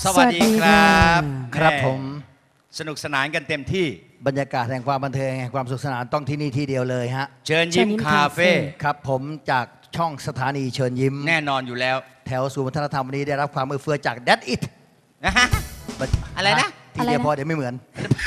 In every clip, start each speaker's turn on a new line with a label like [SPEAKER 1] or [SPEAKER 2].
[SPEAKER 1] สวัสดีครับ
[SPEAKER 2] ครับผม
[SPEAKER 1] สนุกสนานกันเต็มที่
[SPEAKER 2] บรรยากาศแห่งความบันเทิงแห่งความสุขสนานต้องที่นี่ที่เดียวเลยฮะ
[SPEAKER 1] เชิญยิ้มคาเฟ่
[SPEAKER 2] ครับผมจากช่องสถานีเชิญยิ้ม
[SPEAKER 1] แน่นอนอยู่แล้ว
[SPEAKER 2] แถวศูนย์วัฒนธรรมวันนี้ได้รับความเอื้อเฟื้อจาก That's It
[SPEAKER 1] นะฮะอะไรนะ
[SPEAKER 2] ทีเดียวพอเดี๋ยวไม่เหมือน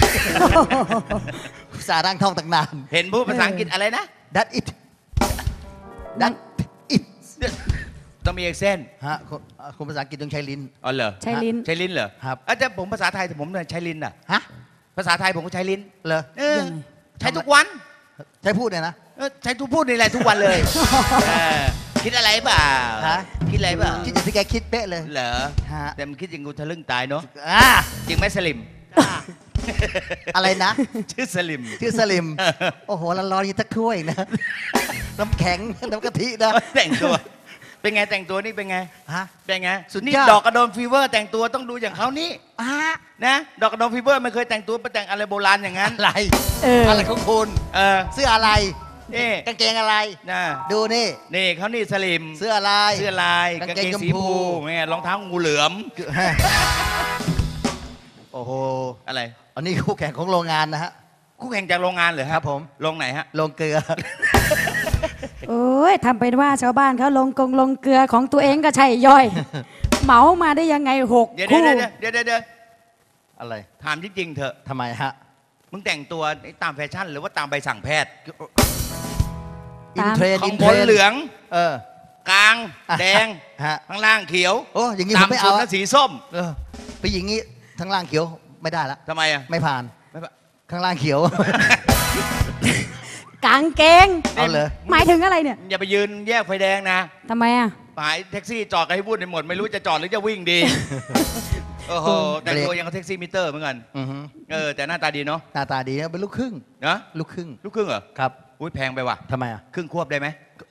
[SPEAKER 2] สาร่างท่องตั้งนาน
[SPEAKER 1] เห็นพูดภาษาอังกฤษอะไรนะ
[SPEAKER 2] That's It That's It
[SPEAKER 1] ต้องมีเอกเส้น
[SPEAKER 2] ฮะคุณภาษาอังกฤษต้องใช้ลิ้น
[SPEAKER 1] อ๋อเหรอ
[SPEAKER 3] ใช้ลิ้น
[SPEAKER 1] ใช้ลิ้นเหรอ
[SPEAKER 2] ครับ
[SPEAKER 1] แต่ผมภาษาไทยผมใช้ลิ้นอ่ะ
[SPEAKER 2] ฮะ
[SPEAKER 1] ภาษาไทยผมก็ใช้ลิ้น
[SPEAKER 2] เหรอ
[SPEAKER 1] ใช้ทุกวัน
[SPEAKER 2] ใช้พูดเนี่ยนะ
[SPEAKER 1] ใช้ทุกพูดนี่แหละทุกวันเลยคิดอะไรเปล่าคิดอะไรเปล่า
[SPEAKER 2] คิดอย่างที่แกคิดเป๊ะเลย
[SPEAKER 1] เหรอแต่มันคิดอย่างกูทะลึ่งตายเนาะจริงไหมสลิม
[SPEAKER 2] อะไรนะ
[SPEAKER 1] ชื่อสลิม
[SPEAKER 2] โอ้โหร้อนๆยิ่งตะถ้วยนะน้ำแข็งน้ำกะทินะ
[SPEAKER 1] แต่งตัวเป็นไงแต่งตัวนี่เป็นไง
[SPEAKER 2] ฮะ
[SPEAKER 1] เป็นไงสุดนี่ดอกกระโดนฟีเวอร์แต่งตัวต้องดูอย่างเขานี่นะดอกกระโดนฟีเวอร์ไม่เคยแต่งตัวไปแต่งอะไรโบราณอย่างนั้น
[SPEAKER 2] อะไรอะไรของคุณเสื้ออะไร
[SPEAKER 1] นี่
[SPEAKER 2] กางเกงอะไร
[SPEAKER 1] นะ
[SPEAKER 2] ดูนี่
[SPEAKER 1] เขานี่สลิม
[SPEAKER 2] เสื้ออะไร
[SPEAKER 1] กางเกงสีชมพูเนี่ยรองเท้างูเหลือม
[SPEAKER 2] โอ้โห
[SPEAKER 1] อะไร
[SPEAKER 2] อันนี้คู่แข่งของโรงงานนะฮะ
[SPEAKER 1] คู่แข่งจากโรงงานเหรอ
[SPEAKER 2] ครับผม
[SPEAKER 1] โรงไหนฮะ
[SPEAKER 2] โรงเกลือ
[SPEAKER 3] โอ้ยทำเป็นว่าชาวบ้านเขาลงเกลือของตัวเองก็ใช่ย่อยเหมามาได้ยังไง6 คู่
[SPEAKER 1] เดี๋ยว
[SPEAKER 2] อะไร
[SPEAKER 1] ถามจริงๆเถอะ
[SPEAKER 2] ทำไมฮะ
[SPEAKER 1] มึงแต่งตัวตามแฟชั่นหรือว่าตามใบสั่งแพทย์
[SPEAKER 2] อินเทรน
[SPEAKER 1] ของบนเหลืองกลางแดงข้างล่างเขียว
[SPEAKER 2] โอ้อย่างงี้ผมไม่เอา
[SPEAKER 1] สีส้ม
[SPEAKER 2] ไปอย่างงี้ข้างล่างเขียวไม่ได้ละ
[SPEAKER 1] ทำไม
[SPEAKER 2] ไม่ผ่านข้างล่างเขียว
[SPEAKER 3] กางเกง
[SPEAKER 2] เอาเลย
[SPEAKER 3] หมายถึงอะไรเนี่ย
[SPEAKER 1] อย่าไปยืนแยกไฟแดงนะ
[SPEAKER 3] ทำไมอ่ะ
[SPEAKER 1] หมายแท็กซี่จอดกันให้พูดในหมดไม่รู้จะจอดหรือจะวิ่งดีโอ้โหแต่งตัวยังกับแท็กซี่มิเตอร์เหมือนกันแต่หน้าตาดีเนาะ
[SPEAKER 2] หน้าตาดีนะเป็นลูกครึ่ง
[SPEAKER 1] นะ
[SPEAKER 2] ลูกครึ่ง
[SPEAKER 1] เหรอ
[SPEAKER 2] ครับ
[SPEAKER 1] อุ้ยแพงไปว่ะ
[SPEAKER 2] ทำไมอ่ะ
[SPEAKER 1] ครึ่งควบได้ไหม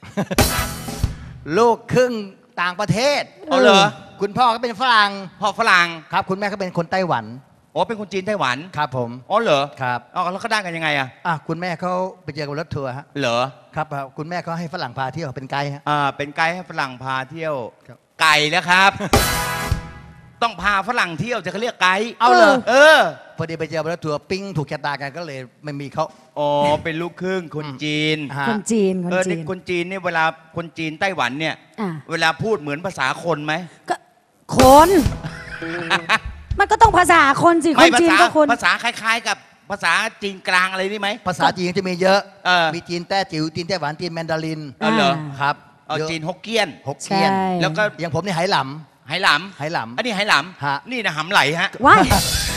[SPEAKER 2] ลูกครึ่งต่างประเทศ
[SPEAKER 1] เอาเหรอ
[SPEAKER 2] คุณพ่อก็เป็นฝรั่ง
[SPEAKER 1] พ่อฝรั่ง
[SPEAKER 2] ครับคุณแม่ก็เป็นคนไต้หวัน
[SPEAKER 1] อ๋อเป็นคนจีนไต้หวัน
[SPEAKER 2] ครับผม
[SPEAKER 1] อ๋อเหรอ
[SPEAKER 2] ครับ
[SPEAKER 1] แล้วเขาได้กันยังไงอ่ะ
[SPEAKER 2] คุณแม่เขาไปเจอกับรถทัวร์ฮะ
[SPEAKER 1] เหรอ
[SPEAKER 2] ครับคุณแม่เขาให้ฝรั่งพาเที่ยวเป็นไกด์ฮะ
[SPEAKER 1] เป็นไกด์ให้ฝรั่งพาเที่ยวไก่แล้วครับต้องพาฝรั่งเที่ยวจะเขาเรียกไกด์
[SPEAKER 2] เอาเลย
[SPEAKER 1] พ
[SPEAKER 2] อดีไปเจอรถทัวร์ปิ้งถูกชะตากันก็เลยไม่มีเขา
[SPEAKER 1] อ๋อเป็นลูกครึ่งคนจีน
[SPEAKER 3] คนจีน
[SPEAKER 1] คนจีนเนี่ยเวลาคนจีนไต้หวันเนี่ยเวลาพูดเหมือนภาษาคนไหม
[SPEAKER 3] ก็คนมันก็ต้องภาษาคนสิคนจีนก็คน
[SPEAKER 1] ภาษาคล้ายๆกับภาษาจีนกลางอะไรนี่ไหม
[SPEAKER 2] ภาษาจีนจะมีเยอะมีจีนแต้จิ๋วจีนไต้หวันจีนแมนดาริน
[SPEAKER 1] เหรอ
[SPEAKER 2] ครับ
[SPEAKER 1] จีนฮกเกี้ยน
[SPEAKER 2] แล้วก็อย่างผมนี่ไหหลำ
[SPEAKER 1] อันนี้ไหหลำนี่นะหำไหลฮะ
[SPEAKER 3] ว้าย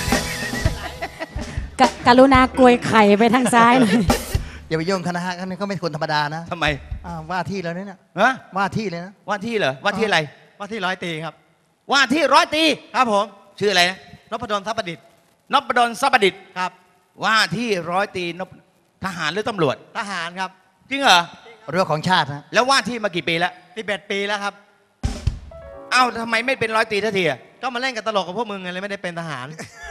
[SPEAKER 3] กรุณากลวยไข่ไปทางซ้ายหน่อย
[SPEAKER 2] อย่าไปยุ่งคณะฮะนี่ก็ไม่คนธรรมดานะ
[SPEAKER 1] ทำไม
[SPEAKER 2] ว่าที่แล้วเนี่ยว่าที่เลยนะ
[SPEAKER 1] ว่าที่เหรอว่าที่อะไร
[SPEAKER 2] ว่าที่100 ตรีครับ
[SPEAKER 1] ว่าที่100 ตรี
[SPEAKER 2] ครับผม
[SPEAKER 1] ชื่ออะไรนะ
[SPEAKER 2] นพดลทรัพย์ประดิษฐ์
[SPEAKER 1] นพดลทรัพย์ประดิษฐ์
[SPEAKER 2] ครับ
[SPEAKER 1] ว่าที่100 ตรีทหารหรือตำรวจ
[SPEAKER 2] ทหารครับ
[SPEAKER 1] จริงเหรอ
[SPEAKER 2] เรื่องของชาตินะ
[SPEAKER 1] แล้วว่าที่มากี่ปีแล้ว
[SPEAKER 2] 11 ปีแล้วครับ
[SPEAKER 1] เอ้าทำไมไม่เป็น100 ตรีทันที
[SPEAKER 2] ก็มาเล่นกับตลกกับพวกมึงไงเลยไม่ได้เป็นทหาร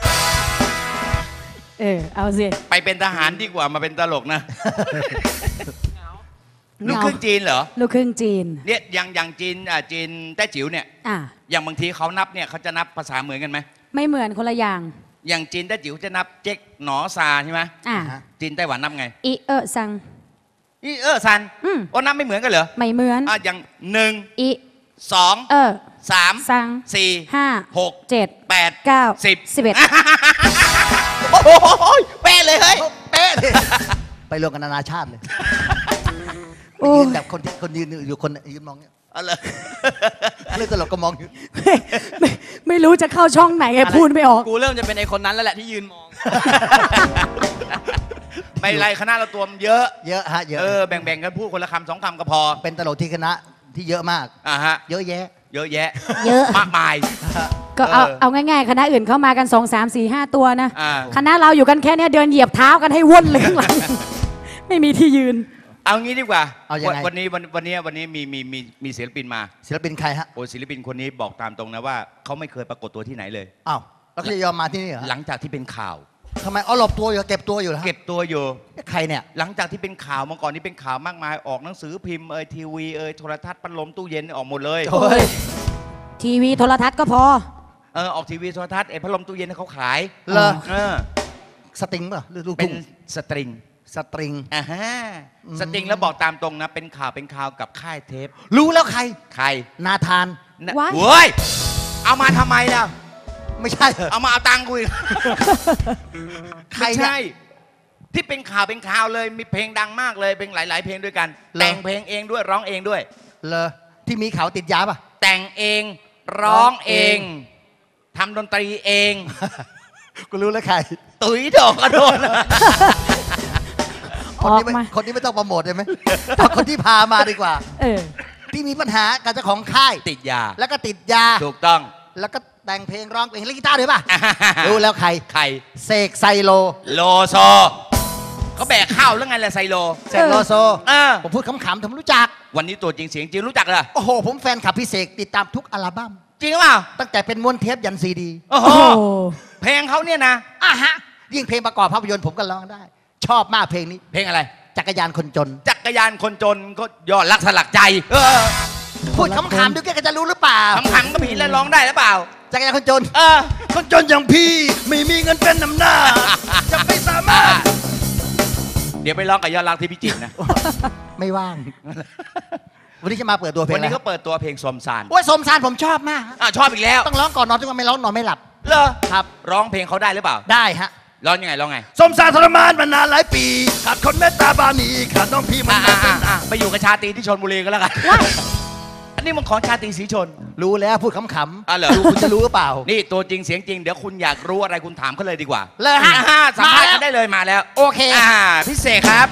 [SPEAKER 3] เอาสิ
[SPEAKER 1] ไปเป็นทหารดีกว่ามาเป็นตลกนะลูกครึ่งจีนเหรอ
[SPEAKER 3] ลูกครึ่งจีน
[SPEAKER 1] เนี่ยอย่างจีนแต้จิ๋วเนี่ยอย่างบางทีเขานับเนี่ยเขาจะนับภาษาเหมือนกันไหม
[SPEAKER 3] ไม่เหมือนคนละอย่าง
[SPEAKER 1] จีนแต้จิ๋วจะนับเจ๊กหนอซาใช่ไหมจีนไต้หวันนับไง
[SPEAKER 3] อีซัง
[SPEAKER 1] ซันนับไม่เหมือนกันเหรอ
[SPEAKER 3] ไม่เหมือน
[SPEAKER 1] อย่าง1
[SPEAKER 3] อี
[SPEAKER 1] 2 3
[SPEAKER 3] ซัง
[SPEAKER 1] 4
[SPEAKER 3] 5
[SPEAKER 1] 6
[SPEAKER 3] 7
[SPEAKER 1] 8
[SPEAKER 3] 9
[SPEAKER 1] 10
[SPEAKER 3] 11
[SPEAKER 1] โอ้โหเป๊ะเลยเฮ้ยเป๊ะ
[SPEAKER 2] ไปรวมกันนานาชาติเลยแบบคนยืนอยู่คนยืนมองเนี่ย
[SPEAKER 1] อะไร
[SPEAKER 2] เรื่องตลกก็มองอยู่
[SPEAKER 3] ไม่รู้จะเข้าช่องไหนไงพูดไม่ออก
[SPEAKER 1] กูเริ่มจะเป็นไอคนนั้นแล้วแหละที่ยืนมองไม่ไรคณะเราตัวเยอะ
[SPEAKER 2] ฮะเยอะ
[SPEAKER 1] แบ่งกันพูดคนละคำ2 คำก็พอ
[SPEAKER 2] เป็นตลกที่คณะที่เยอะมากเยอะแยะ
[SPEAKER 1] มากมาย
[SPEAKER 3] ก็เอาง่ายๆคณะอื่นเข้ามากัน2 3 4 5 ตัวนะคณะเราอยู่กันแค่นี้เดินเหยียบเท้ากันให้ว่นเลยข้างหลังไม่มีที่ยืน
[SPEAKER 1] เอางี้ดีกว่าวันนี้มีศิลปินมา
[SPEAKER 2] ศิลปินใครฮะ
[SPEAKER 1] ศิลปินคนนี้บอกตามตรงนะว่าเขาไม่เคยปรากฏตัวที่ไหนเลย
[SPEAKER 2] อ้าวแล้วจะยอมมาที่นี่เหรอ
[SPEAKER 1] หลังจากที่เป็นข่าว
[SPEAKER 2] ทำไมหลบตัวอยู่เก็บตัวอยู่
[SPEAKER 1] เก็บตัวอยู่
[SPEAKER 2] ใครเนี่ย
[SPEAKER 1] หลังจากที่เป็นข่าวมาก่อนนี้เป็นข่าวมากมายออกหนังสือพิมพ์ทีวีโทรทัศน์พัดลมตู้เย็นออกหมดเลย
[SPEAKER 3] ทีวีโทรทัศน์ก็พอ
[SPEAKER 1] ออกทีวีโทรทัศน์ไอ้พัดลมตู้เย็นเขาขาย
[SPEAKER 2] เหรอ
[SPEAKER 1] ส
[SPEAKER 2] ตริงป่ะหรือลูก
[SPEAKER 1] เป็
[SPEAKER 2] ทุ่
[SPEAKER 1] น
[SPEAKER 2] ง
[SPEAKER 1] สตริง
[SPEAKER 2] สตริง
[SPEAKER 1] สตริงแล้วบอกตามตรงนะเป็นข่าวกับค่ายเทป
[SPEAKER 2] รู้แล้วใคร
[SPEAKER 1] ใคร
[SPEAKER 2] นาธาน
[SPEAKER 3] ว้าย
[SPEAKER 1] เว้ยเอามาทำไมล่ะ
[SPEAKER 2] ไม่ใช่เหรอ
[SPEAKER 1] เอามาเอาตังค์กูอีก
[SPEAKER 2] ใคร
[SPEAKER 1] ไม่
[SPEAKER 2] เนี่ย
[SPEAKER 1] ใช่ ที่เป็นข่าวเลยมีเพลงดังมากเลยเป็นหลาย ๆ เพลงด้วยกัน
[SPEAKER 2] เหรอ
[SPEAKER 1] แต่งเพลงเองด้วยร้องเองด้วย
[SPEAKER 2] เลอที่มีเขาติดยาป่ะ
[SPEAKER 1] แต่งเองร้องเองทำดนตรีเอง
[SPEAKER 2] กูรู้แล้วใคร
[SPEAKER 1] ตุ๋ยดอกกระโดน
[SPEAKER 2] คนนี้ไม่
[SPEAKER 3] ออกมา
[SPEAKER 2] คนนี้ไม่ต้องโปรโมทได้ไหมเอาคนที่พามาดีกว่า
[SPEAKER 3] เออ
[SPEAKER 2] ที่มีปัญหากับเจ้าของค่าย
[SPEAKER 1] ติดยา
[SPEAKER 2] แล้วก็ติดยา
[SPEAKER 1] ถูกต้อง
[SPEAKER 2] แล้วก็แต่งเพลงร้องเพลงเล่นกีตาร์ด้วยป่ะ รู้แล้วใคร
[SPEAKER 1] ใคร
[SPEAKER 2] เสกไซโล
[SPEAKER 1] โลโซเขาแบกข้าวแล้วไงล่ะไซโล
[SPEAKER 2] เสกโลโซ
[SPEAKER 1] เออ
[SPEAKER 2] ผมพูดขำๆผมรู้จัก
[SPEAKER 1] วันนี้ตัวจริงเสียงจริงรู้จักเหรอ
[SPEAKER 2] โอ้โห ผมแฟนคลับพี่เสกติดตามทุกอัลบั้ม
[SPEAKER 1] จริงหรือเปล่า
[SPEAKER 2] ตั้งแต่เป็นม้วนเทปยันซีดี
[SPEAKER 1] โอ้โห
[SPEAKER 3] โอ้โห
[SPEAKER 1] เพลงเขาเนี่ยนะ
[SPEAKER 2] ฮะ ยิ่งเพลงประกอบภาพยนตร์ผมก็ร้องได้ ชอบมากเพลงนี้
[SPEAKER 1] เพลงอะไร
[SPEAKER 2] จักรยานคนจน
[SPEAKER 1] จักรยานคนจนก็ยอดรักสลักใจ
[SPEAKER 2] พูดขำๆดูแกก็จะรู้หรือเปล่า
[SPEAKER 1] ขำๆก็ผิดแล้วร้องได้หรือเปล่า
[SPEAKER 2] จักรยานคนจน
[SPEAKER 1] เออ
[SPEAKER 2] คนจนอย่างพี่ไม่มีเงินเป็นนำหน้า จะไม่สามารถ
[SPEAKER 1] เดี๋ยวไปร้องกับยอดรักที่พิจิตรนะ
[SPEAKER 2] ไม่ว่าง วันนี้จะมาเปิดตัวเพลง
[SPEAKER 1] วันนี้
[SPEAKER 2] อะไร
[SPEAKER 1] เขาเปิดตัวเพลงสมสาร
[SPEAKER 2] โอ้ยสมสารผมชอบมาก
[SPEAKER 1] ชอบอีกแล้ว
[SPEAKER 2] ต้องร้องก่อนนอนทุกวันไม่ร้องนอนไม่หลับ
[SPEAKER 1] เหรอ
[SPEAKER 2] ครับ
[SPEAKER 1] ร้องเพลงเขาได้หรือเปล่า
[SPEAKER 2] ได้ฮะ
[SPEAKER 1] ร้องยังไงร้องไง
[SPEAKER 2] สมสารทรมานมานานหลายปีขาดคนเมตตาบานีขาดน้องพี่มัน
[SPEAKER 1] ไปอยู่กับชาตรีที่ชลบุรีก็แล้วกัน อันนี้มันของชาตรีศรีชน
[SPEAKER 2] รู้แล้วพูดขำ
[SPEAKER 1] เหรอ
[SPEAKER 2] ดูคุณจะรู้หรือเปล่า
[SPEAKER 1] นี่ตัวจริงเสียงจริงเดี๋ยวคุณอยากรู้อะไรคุณถามเขาเลยดีกว่า
[SPEAKER 2] เลยฮะ
[SPEAKER 1] สัมภาษณ์
[SPEAKER 2] มาแล้ว
[SPEAKER 1] กันได้เลยมาแล้ว
[SPEAKER 2] โอเค
[SPEAKER 1] พี่เสกครับ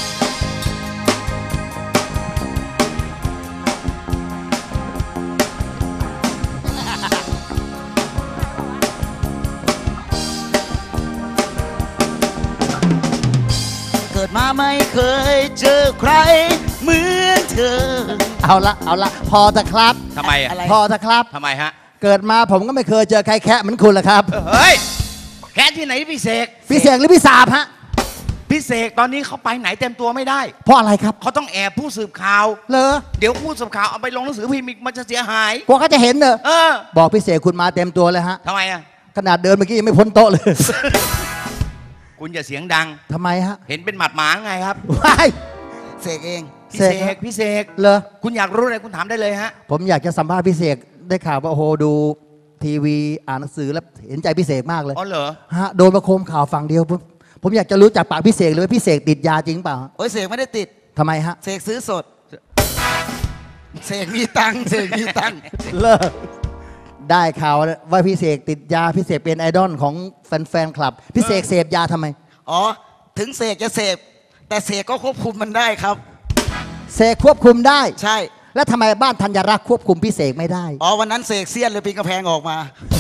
[SPEAKER 4] เกิดมาไม่เคยเจอใครเหมือนเธอ
[SPEAKER 2] เอาละพอจะครับ
[SPEAKER 1] ทำไมอ่ะ
[SPEAKER 4] อะไร
[SPEAKER 2] พอจะครับ
[SPEAKER 1] ทำไมฮะ
[SPEAKER 2] เกิดมาผมก็ไม่เคยเจอใครแคะเหมือนคุณละครับ
[SPEAKER 1] เฮ้ยแค่ที่ไหนพี่เสก
[SPEAKER 2] พี่เสกหรือพี่สาบฮะ
[SPEAKER 1] พี่เสกตอนนี้เขาไปไหนเต็มตัวไม่ได้
[SPEAKER 2] เพราะอะไรครับ
[SPEAKER 1] เขาต้องแอบผู้สืบข่าว
[SPEAKER 2] เลอ
[SPEAKER 1] เดี๋ยวผู้สืบข่าวเอาไปลงหนังสือพิมพ์อีกมันจะเสียหาย
[SPEAKER 2] กลัวเขาจะเห็นเนอะ
[SPEAKER 1] เออ
[SPEAKER 2] บอกพี่เสกคุณมาเต็มตัวเลยฮะ
[SPEAKER 1] ทำไมอ่ะ
[SPEAKER 2] ขนาดเดินเมื่อกี้ยังไม่พ้นโต๊ะเลย
[SPEAKER 1] คุณอย่าเสียงดัง
[SPEAKER 2] ทำไมฮะ
[SPEAKER 1] เห็นเป็นหมัดหมาไงครับ
[SPEAKER 2] ว้าย
[SPEAKER 4] เสกเอง
[SPEAKER 1] พี่เส
[SPEAKER 2] เสก
[SPEAKER 1] กพี่เสก
[SPEAKER 2] เลอ
[SPEAKER 1] คุณอยากรู้อะไรคุณถามได้เลยฮะ
[SPEAKER 2] ผมอยากจะสัมภาษณ์พี่เสกได้ข่าวว่าโอ้โหดูทีวีอ่านหนังสือแล้วเห็นใจพี่เสกมากเลย
[SPEAKER 1] อ๋อเหรอ
[SPEAKER 2] ฮะโดนประโคมข่าวฝั่งเดียวผมอยากจะรู้จากปากพี่เสกเลยว่าพี่เสกติดยาจริงเปล่า
[SPEAKER 4] โอ้ยเสกไม่ได้ติด
[SPEAKER 2] ทำไมฮะ
[SPEAKER 4] เสกซื้อสด เสกมีตังค์เสกมีตังค์
[SPEAKER 2] เลิกได้ข่าวว่าพี่เสกติดยาพี่เสกเป็นไอดอลของแฟนคลับพี่เสกเสพยาทำไม
[SPEAKER 4] อ๋อ ถึงเสกจะเสพแต่เสกก็ควบคุมมันได้ครับ
[SPEAKER 2] เสกควบคุมได้
[SPEAKER 4] ใช่
[SPEAKER 2] แล้วทำไมบ้านธัญรักษ์ควบคุมพี่เสกไม่ได้
[SPEAKER 4] อ๋อ วันนั้นเสกเสี้ยนเลยปีนกระแพงออกมา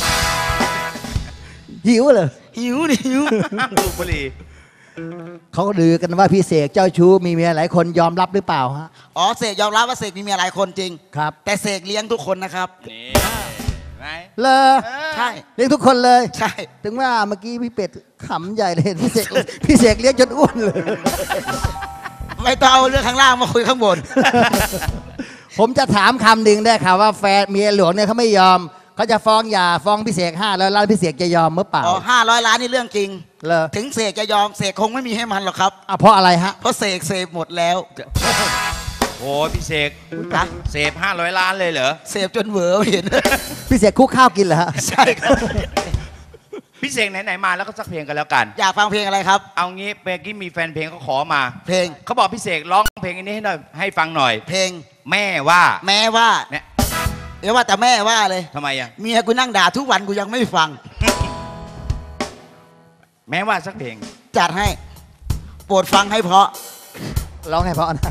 [SPEAKER 2] หิวเลย
[SPEAKER 4] หิวดิหิว
[SPEAKER 1] ดูบุหรี่
[SPEAKER 2] เขาลือกันว่าพี่เสกเจ้าชู้มีเมียหลายคนยอมรับหรือเปล่าฮะ
[SPEAKER 4] อ๋อ เสกยอมรับว่าเสกมีเมียหลายคนจริง
[SPEAKER 2] ครับ
[SPEAKER 4] แต่เสกเลี้ยงทุกคนนะครับ
[SPEAKER 1] นี่ไง
[SPEAKER 2] เลอ
[SPEAKER 4] ใช่
[SPEAKER 2] เลี้ยงทุกคนเลย
[SPEAKER 4] ใช่
[SPEAKER 2] ถึงว่าเมื่อกี้พี่เป็ดขำใหญ่เลยพี่เสกพี่เสกเลี้ยงจนอ้วนเลย
[SPEAKER 4] ไม่ต้องเอาเรื่องข้างล่างมาคุยข้างบน
[SPEAKER 2] ผมจะถามคำหนึ่งได้ค่ะว่าแฟนเมียหลวงเนี่ยเขาไม่ยอมเขาจะฟ้องหย่าฟ้องพี่เสก500 ล้านพี่เสกจะยอมเมื่อเปล่า
[SPEAKER 4] อ๋อ500 ล้านนี่เรื่องจริง
[SPEAKER 2] เลอ
[SPEAKER 4] ถึงเสกจะยอมเสกคงไม่มีให้มันหรอกครับ
[SPEAKER 2] เพราะอะไรฮะ
[SPEAKER 4] เพราะเสกเสพหมดแล้ว
[SPEAKER 1] โอ้พี่เสก
[SPEAKER 4] นะ
[SPEAKER 1] เสพ500 ล้านเลยเหรอ
[SPEAKER 4] เสพจนเหวอเห็น
[SPEAKER 2] พี่เสกคุกข้าวกินเหรอฮะ
[SPEAKER 4] ใช่ครับ
[SPEAKER 1] พี่เสกไหนๆมาแล้วก็สักเพลงกันแล้วกัน
[SPEAKER 4] อยากฟังเพลงอะไรครับ
[SPEAKER 1] เอางี้เมื่อกี้มีแฟนเพลงเขาขอมา
[SPEAKER 4] เพลง
[SPEAKER 1] เขาบอกพี่เสกร้องเพลงอันนี้ให้หน่อยให้ฟังหน่อย
[SPEAKER 4] เพลง
[SPEAKER 1] แม่ว่า
[SPEAKER 4] แม้ว่า
[SPEAKER 1] เนี่ย
[SPEAKER 4] เดี๋ยวว่าแต่แม่ว่าเลย
[SPEAKER 1] ทำไมอ่ะ
[SPEAKER 4] เมียกูนั่งด่าทุกวันกูยังไม่ฟัง
[SPEAKER 1] แม้ว่าสักเพลง
[SPEAKER 4] จัดให้ โปรดฟังให้เพราะ
[SPEAKER 2] ร้องให้เพราะนะ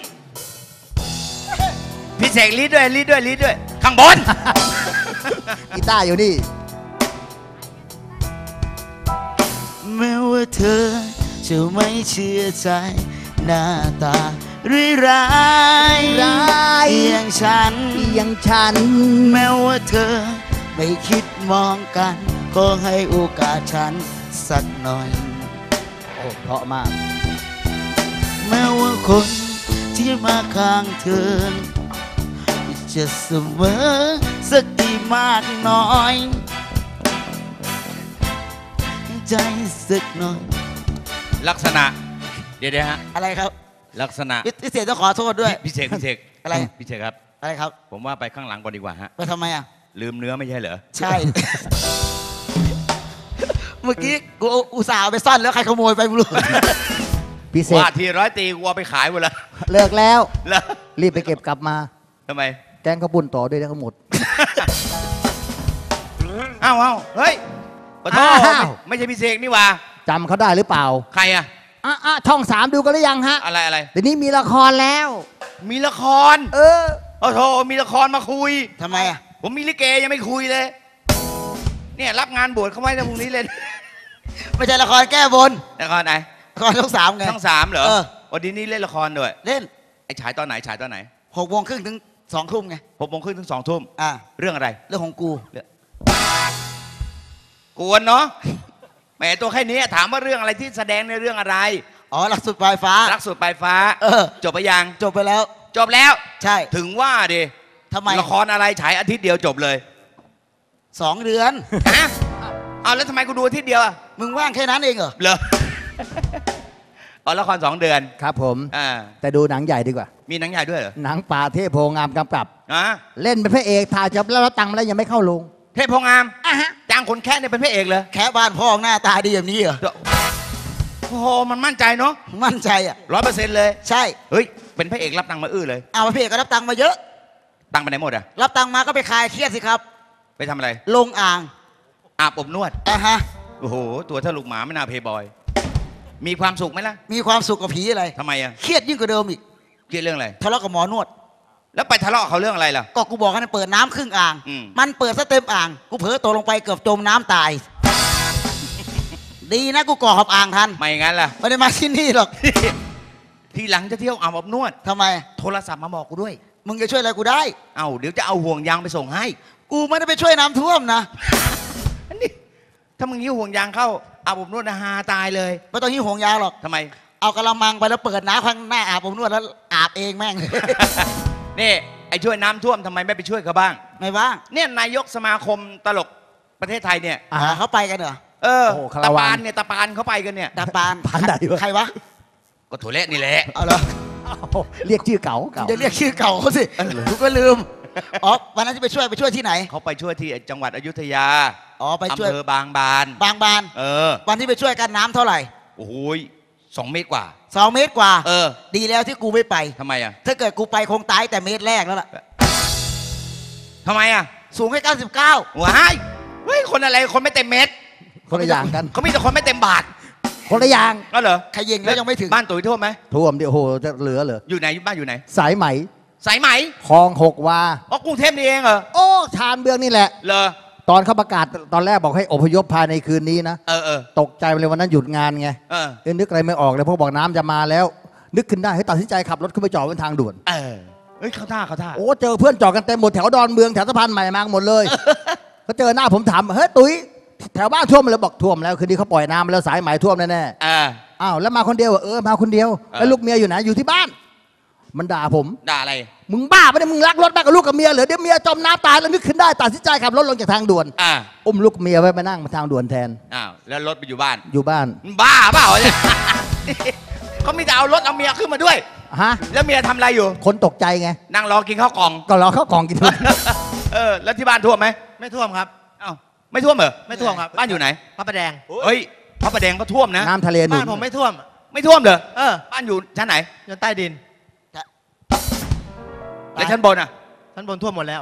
[SPEAKER 1] พี่เสกลีดด้วยลีดด้วยลีดด้วย ข้างบน
[SPEAKER 2] กีตาร์อยู่นี่
[SPEAKER 4] แม้ว่าเธอจะไม่เชื่อใจ หน้าตาร้าย
[SPEAKER 2] ร้าย
[SPEAKER 4] อย่างฉัน
[SPEAKER 2] อย่างฉัน
[SPEAKER 4] แม้ว่าเธอไม่คิดมองกัน ก็ให้โอกาสฉันสักหน่อย
[SPEAKER 2] โอ้เพราะมาก
[SPEAKER 4] แม้ว่าคนที่มาข้างเธอ จะเสมอสักกี่มากน้อยใจสักหน่อย
[SPEAKER 1] ลักษณะ เดี๋ยวฮะ
[SPEAKER 4] อะไรครับ
[SPEAKER 1] ลักษณะ
[SPEAKER 4] พี่เสกต้องขอโทษด้วย
[SPEAKER 1] พี่เสก
[SPEAKER 4] อะไร
[SPEAKER 1] พี่เสกครับ
[SPEAKER 4] อะไรครับ
[SPEAKER 1] ผมว่าไปข้างหลังก่อนดีกว่าฮะ
[SPEAKER 4] ไปทำไมอ่ะ
[SPEAKER 1] ลืมเนื้อไม่ใช่เหรอ
[SPEAKER 4] ใช่ เมื่อกี้กูอุตส่าห์เอาไปซ่อนแล้วใครขโมยไปไม่รู้
[SPEAKER 2] พี่เสก
[SPEAKER 1] ว่าทีร้อยตีกูเอาไปขายหมดแล้ว
[SPEAKER 2] เลิกแล้ว
[SPEAKER 1] แล้ว
[SPEAKER 2] รีบไปเก็บกลับมา
[SPEAKER 1] ทำไม
[SPEAKER 2] แกงข้าวปุ้นต่อด้วยทั้งหมด
[SPEAKER 1] อ้าวเฮ้ยขอโทษ
[SPEAKER 2] อ้าว
[SPEAKER 1] ไม่ใช่พี่เสกนี่หว่า
[SPEAKER 2] จำเขาได้หรือเปล่า
[SPEAKER 1] ใครอะ
[SPEAKER 2] ช่อง 3ดูกันหรือยังฮะ
[SPEAKER 1] อะไร
[SPEAKER 2] เดี๋ยวนี้มีละครแล้ว
[SPEAKER 1] มีละคร โอ้โหมีละครมาคุย
[SPEAKER 4] ทำไมอ่ะ
[SPEAKER 1] ผมมีลิเกยังไม่คุยเลย เนี่ยรับงานบวชเขาไว้ในพรุ่งนี้เลย
[SPEAKER 4] ไม่ใช่ละครแก้บน
[SPEAKER 1] ละครไหน
[SPEAKER 4] ละครช่อง 3ไง
[SPEAKER 1] ช่อง3เหรอ
[SPEAKER 4] เออ
[SPEAKER 1] วันนี้เล่นละครด้วย
[SPEAKER 4] เล่น
[SPEAKER 1] ไอ้ฉายตอนไหน
[SPEAKER 4] 6:30ถึง2 ทุ่มไง
[SPEAKER 1] 6:30ถึง2 ทุ่ม
[SPEAKER 4] อ่า
[SPEAKER 1] เรื่องอะไร
[SPEAKER 4] เรื่องของกู
[SPEAKER 1] กวนเนาะแหมตัวแค่นี้ถามว่าเรื่องอะไรที่แสดงในเรื่องอะไร
[SPEAKER 4] อ๋อหลักสุดปลายฟ้า
[SPEAKER 1] รักสุดปลายฟ้า จบไปยัง
[SPEAKER 4] จบไปแล้ว
[SPEAKER 1] จบแล้ว
[SPEAKER 4] ใช่
[SPEAKER 1] ถึงว่าดิ
[SPEAKER 4] ทำไม
[SPEAKER 1] ละครอะไรฉายอาทิตย์เดียวจบเลย
[SPEAKER 4] 2 เดือน
[SPEAKER 1] ฮะเอาแล้วทำไมกูดูอาทิตย์เดียวอะ
[SPEAKER 4] มึงว่างแค่นั้นเองเหรอ
[SPEAKER 1] เหรอ อ๋อละคร2 เดือน
[SPEAKER 2] ครับผม
[SPEAKER 1] อ่า
[SPEAKER 2] แต่ดูหนังใหญ่ดีกว่า
[SPEAKER 1] มีหนังใหญ่ด้วยเหรอ
[SPEAKER 2] หนังป่าเทพโพงามกำกับ
[SPEAKER 1] อ่ะ
[SPEAKER 2] เล่นเป็นพระเอกถ่ายจบแล้วตังค์มาแล้วยังไม่เข้าลง
[SPEAKER 1] เทพโพงามจ้างคนแค่เนี่ยเป็นพระเอกเลย
[SPEAKER 4] แค่บ้านพ่อหน้าตาดีแบบนี้เหรอ
[SPEAKER 1] โอ้โหมันมั่นใจเนาะ
[SPEAKER 4] มั่นใจอ่ะ
[SPEAKER 1] 100%เลย
[SPEAKER 4] ใช่
[SPEAKER 1] เฮ้ยเป็นพระเอกรับตังค์มาเลย
[SPEAKER 4] เอามาพี่เอกก็รับตังค์มาเยอะ
[SPEAKER 1] ตังค์ไปไหนหมดอะ
[SPEAKER 4] รับตังค์มาก็ไปคลายเครียดสิครับ
[SPEAKER 1] ไปทำอะไร
[SPEAKER 4] ลงอ่าง
[SPEAKER 1] อาบอบนวด
[SPEAKER 4] ฮะ
[SPEAKER 1] โอ้โหตัวถ้าลูกหมาไม่น่าเพย์บอย มีความสุขไหมล่ะ
[SPEAKER 4] มีความสุขกับผีอะไร
[SPEAKER 1] ทำไมอะ
[SPEAKER 4] เครียดยิ่งกว่าเดิมอีก
[SPEAKER 1] เกี่ยวเรื่องอะไร
[SPEAKER 4] ทะเลาะกับหมอนวด
[SPEAKER 1] แล้วไปทะเลาะเขาเรื่องอะไรล่ะ
[SPEAKER 4] ก็กูบอกให้มันเปิดน้ำครึ่งอ่าง
[SPEAKER 1] อืม
[SPEAKER 4] มันเปิดซะเต็มอ่าง กูเผลอตกลงไปเกือบจมน้ำตาย ดีนะกูก่อขอบอ่างทัน
[SPEAKER 1] ไม่งั้นล่ะ
[SPEAKER 4] ไม่ได้มาที่นี่หรอก
[SPEAKER 1] ทีหลังจะเที่ยวอาบอบนวด
[SPEAKER 4] ทำไม
[SPEAKER 1] โทรศัพท์มาบอกกูด้วย
[SPEAKER 4] มึงจะช่วยอะไรกูได้
[SPEAKER 1] เอ้าเดี๋ยวจะเอาห่วงยางไปส่งให้
[SPEAKER 4] กูไม่ได้ไปช่วยน้ำท่วมนะ
[SPEAKER 1] อันนี้ถ้ามึงยิ้วห่วงยางเข้าอาบอบนวดนะฮาตายเลย
[SPEAKER 4] ไม่ต้องหิ้วห่วงยางหรอก
[SPEAKER 1] ทำไม
[SPEAKER 4] เอากระมังไปแล้วเปิดน้ำข้างหน้าอาบผมนวดแล้วอาบเองแม่ง
[SPEAKER 1] นี่ไอ้ช่วยน้ำท่วมทำไมไม่ไปช่วยเขาบ้าง
[SPEAKER 4] ไม่ว่าง
[SPEAKER 1] เนี่ยนายกสมาคมตลกประเทศไทยเนี่ย
[SPEAKER 4] เขาไปกันเหรอ
[SPEAKER 1] เออ
[SPEAKER 2] โอ้โหคา
[SPEAKER 1] ตะ
[SPEAKER 2] ราวั
[SPEAKER 1] ปาน
[SPEAKER 2] น
[SPEAKER 1] เนี่ยตะปานเขาไปกันเนี่ย
[SPEAKER 4] ดาปาน
[SPEAKER 2] ปานไหนวะ
[SPEAKER 4] ใครวะ
[SPEAKER 1] ก็ถั่วเละนี่แหละ
[SPEAKER 4] เอาเหรอ
[SPEAKER 2] เรียกชื่อเก่า
[SPEAKER 4] จะเรียกชื่อเก่าเขาสิกูก็ลืม อ๋อ วันนั้นที่ไปช่วยที่ไหน
[SPEAKER 1] เขาไปช่วยที่จังหวัดอยุธยา
[SPEAKER 4] อ๋อ ไปช่วย
[SPEAKER 1] อำเภอบางบาน
[SPEAKER 4] บางบาน
[SPEAKER 1] เออ
[SPEAKER 4] วันที่ไปช่วยกันน้ำเท่าไหร่
[SPEAKER 1] โอ้โห2 เมตรกว่า
[SPEAKER 4] 2 เมตรกว่า
[SPEAKER 1] เออ
[SPEAKER 4] ดีแล้วที่กูไม่ไป
[SPEAKER 1] ทำไมอ่ะ
[SPEAKER 4] ถ้าเกิดกูไปคงตายแต่เมตรแรกแล้วล่ะ
[SPEAKER 1] ทำไมอ่ะ
[SPEAKER 4] สูงแค่99
[SPEAKER 1] ว้ายเฮ้ยคนอะไรคนไม่เต็มเม็ด
[SPEAKER 2] คนละอย่างกัน
[SPEAKER 1] เขามีแต่คนไม่เต็มบาท
[SPEAKER 2] คนละอย่าง
[SPEAKER 1] ก็เหรอ
[SPEAKER 4] ขยิงแล้วยังไม่ถึง
[SPEAKER 1] บ้านตุ๋ยท่วมไหม
[SPEAKER 2] ท่วมเดี๋ยวโอ้โหจะเหลือเหรอ
[SPEAKER 1] อยู่ไหนบ้านอยู่ไหน
[SPEAKER 2] สายไหม
[SPEAKER 1] สายไหม
[SPEAKER 2] คลอง6 วา
[SPEAKER 1] อ๋อกรุงเทพนี่เองเหรอ
[SPEAKER 2] โอ้ชานเบืองนี่แหละ
[SPEAKER 1] เหรอ
[SPEAKER 2] ตอนเขาประกาศตอนแรกบอกให้อพยพภายในคืนนี้นะ
[SPEAKER 1] เออ
[SPEAKER 2] ตกใจไปเลยวันนั้นหยุดงานไง
[SPEAKER 1] เออ
[SPEAKER 2] นึกอะไรไม่ออกเลยเพราะบอกน้ำจะมาแล้ว นึกขึ้นได้ให้ตัดสินใจขับรถขึ้นไปจอดบนทางด่วน
[SPEAKER 1] เออเฮ้ยเข้าท่า
[SPEAKER 2] โอ้เจอเพื่อนจอดกันเต็มหมดแถวดอนเมืองแถวสะพานใหม่มาหมดเลย เขาเจอหน้าผมถามเฮ้ยตุ้ยแถวบ้านท่วมเลยบอกท่วมแล้วคืนนี้เขาปล่อยน้ำมาแล้วสายไหมท่วมแน่
[SPEAKER 1] อ่า
[SPEAKER 2] ๆอ้าวแล้วมาคนเดียวเหรอมาคนเดียวแล้วลูกเมียอยู่ไหนอยู่ที่บ้าน มันด่าผม
[SPEAKER 1] ด่าอะไร
[SPEAKER 2] มึงบ้าปะเนี่ยมึงรักรถมากกับลูกกับเมียเหรอเดี๋ยวเมียจมน้ำตายแล้วนึกขึ้นได้ตัดสินใจขับรถลงจากทางด่วน
[SPEAKER 1] อ่า
[SPEAKER 2] อุ้มลูกเมียไว้มานั่งบนทางด่วนแทน
[SPEAKER 1] อ้าวแล้วรถไปอยู่บ้าน
[SPEAKER 2] อยู่บ้าน
[SPEAKER 1] มึงบ้าเปล่าเนี่ย เขามีแต่เอารถเอาเมียขึ้นมาด้วย
[SPEAKER 2] ฮะ
[SPEAKER 1] แล้วเมียทำอะไรอยู่
[SPEAKER 2] คนตกใจไง
[SPEAKER 1] นั่งรอกินข้าวกล่อง
[SPEAKER 2] ก็รอเข้ากล่องกิน
[SPEAKER 1] เออแล้วที่บ้านท่วมไหม
[SPEAKER 5] ไม่ท่วมครับ
[SPEAKER 1] อ้าวไม่ท่วมเหรอ
[SPEAKER 5] ไม่ท่วมครับ
[SPEAKER 1] บ้านอยู่ไหน
[SPEAKER 5] พระประแดง
[SPEAKER 1] เฮ้ยพระประแดงก็ท่วมนะ
[SPEAKER 2] น้ำทะเลหนุ
[SPEAKER 5] บ้าน นผมไม่ท่วม
[SPEAKER 1] ไม่ท่วมเหรอ
[SPEAKER 5] เออ
[SPEAKER 1] บ้านอยู่ชั้นไหน
[SPEAKER 5] อยู่ใต้ดิน
[SPEAKER 1] แล้วชั้นบนอ่ะ
[SPEAKER 5] ชั้นบนท่วมหมดแล้ว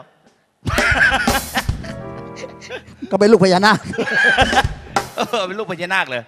[SPEAKER 2] ก็เป็นลูกพญานาค
[SPEAKER 1] เออเป็นลูกพญานาคเลย